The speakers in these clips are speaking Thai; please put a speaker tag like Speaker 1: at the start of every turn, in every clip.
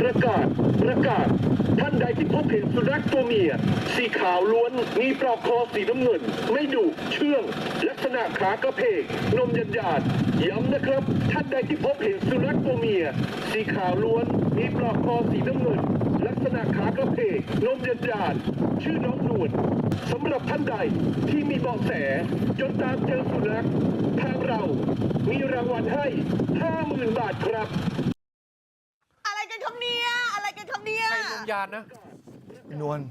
Speaker 1: ประกาศท่านใดที่พบเห็นสุนัขตัวเมียสีขาวล้วนมีปลอกคอสีน้ำเงินไม่ดุเชื่องลักษณะขากระเพกนมหยาดย้ำนะครับท่านใดที่พบเห็นสุนัขตัวเมียสีขาวล้วนมีปลอกคอสีน้ำเงินลักษณะขากระเพกนมหยาดชื่อน้องนวลสำหรับท่านใดที่มีเบาะแสจนตามเจอสุนัขทางเรามีรางวัลให้ 50,000 บาทครับ
Speaker 2: อะไรกันครับเนี่ยอะไรกันครับเนี่ย
Speaker 3: ใครนมยานนะ
Speaker 4: นวล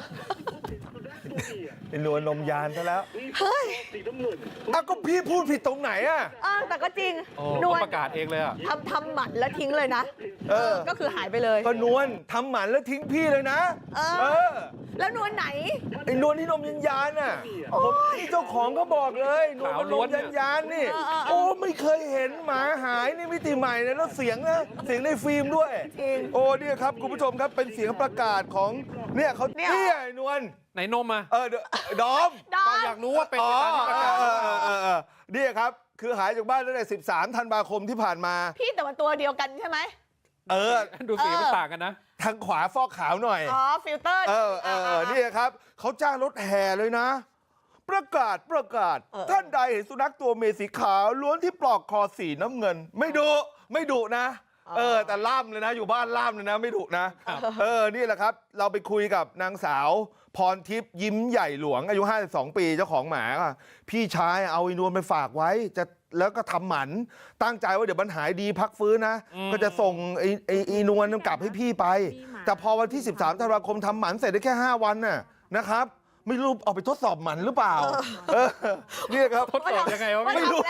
Speaker 4: เป็นนวลนมยานซะแล้ว
Speaker 2: เฮ้ย
Speaker 4: อ้าวก็พี่พูดผิดตรงไหนอ่ะ
Speaker 2: แต่ก็จริง
Speaker 3: นวลประกาศเองเลยอ่ะ
Speaker 2: ทำหมันแล้วทิ้งเลยนะ ก็คือหายไปเลย
Speaker 4: ก็นวลทำหมันแล้วทิ้งพี่เลยนะ
Speaker 2: แล้วนวลไหน
Speaker 4: ไอ้นวลที่นมยันยานน่ะผมนี่เจ้าของก็บอกเลยนวลมันนมยันยานนี่โอ้ไม่เคยเห็นหมาหายนี่มิติใหม่นะแล้วเสียงนะเสียงในฟิล์มด้วย
Speaker 2: จริง
Speaker 4: โอ้เนี่ยครับคุณผู้ชมครับเป็นเสียงประกาศของเนี่ยเขาเนี่ยไอ้นวล
Speaker 3: ไหนนมอ่ะ
Speaker 4: ดอม
Speaker 3: อยากรู้ว่าเป็นไปตามที่ประกาศ
Speaker 4: เนี่ยครับคือหายจากบ้านตั้งแต่13 ธันวาคมที่ผ่านมา
Speaker 2: พี่แต่มันตัวเดียวกันใช่ไหม
Speaker 3: ดูสีมันต่างกันนะ
Speaker 4: ทางขวาฟอกขาวหน่อย
Speaker 2: ฟิลเตอร์
Speaker 4: นี่ครับเขาจ้างรถแห่เลยนะ ประกาศท่านใดเห็นสุนัขตัวเมียสีขาวล้วนที่ปลอกคอสีน้ำเงิน ไม่ดุนะแต่ล่ามเลยนะอยู่บ้านล่ามเลยนะไม่ดุนะนี่แหละครับเราไปคุยกับนางสาวพรทิพย์ยิ้มใหญ่หลวงอายุ52 ปีเจ้าของหมาพี่ชายเอาไอ้นวลไปฝากไว้แล้วก็ทำหมันตั้งใจว่าเดี๋ยวมันหายดีพักฟื้นนะก็จะส่งไอ้นวลกลับให้พี่ไปแต่พอวันที่13 ธันวาคมทำหมันเสร็จได้แค่5 วันน่ะนะครับไม่รู้เอาไปทดสอบหมันหรือเปล่านี่ครับ
Speaker 3: ทดสอบยังไงวะ
Speaker 4: ไม่รู้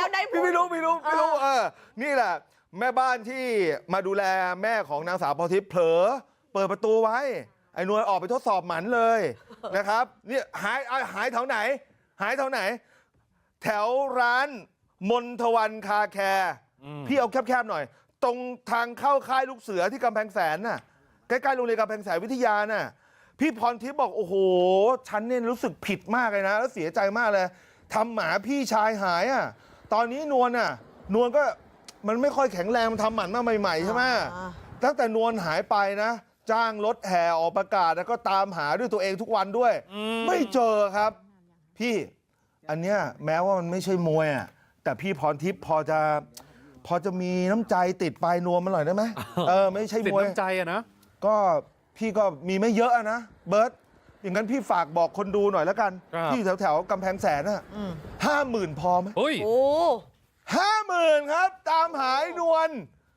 Speaker 4: นี่แหละแม่บ้านที่มาดูแลแม่ของนางสาวพรทิพย์เผลอเปิดประตูไว้ไอ้นวลออกไปทดสอบหมันเลยนะครับเนี่ยหายแถวไหนแถวร้านมนทวันคาแคร์พี่เอาแคบๆหน่อยตรงทางเข้าค่ายลูกเสือที่กำแพงแสนน่ะใกล้ๆโรงเรียนกำแพงแสนวิทยาน่ะพี่พรทิพย์บอกโอ้โหฉันเนี่ยรู้สึกผิดมากเลยนะแล้วเสียใจมากเลยทำหมาพี่ชายหายตอนนี้นวลก็มันไม่ค่อยแข็งแรงมันทำหมันมาใหม่ๆใช่ไหมตั้งแต่นวลหายไปนะจ้างรถแห่ออกประกาศแล้วก็ตามหาด้วยตัวเองทุกวันด้วยไม่เจอครับพี่อันเนี้ยแม้ว่ามันไม่ใช่มวยแต่พี่พรทิพย์พอจะมีน้ำใจติดปลายนวมมันหน่อยได้ไหมไม่ใช่มวย
Speaker 3: ติดน้ำใจนะ
Speaker 4: ก็พี่ก็มีไม่เยอะนะเบิร์ตอย่างนั้นพี่ฝากบอกคนดูหน่อยแล้วกันที่แถวกำแพงแสน50,000พอไหม
Speaker 3: เฮ้ย
Speaker 2: โอ้
Speaker 4: 50,000ครับตามหายนวล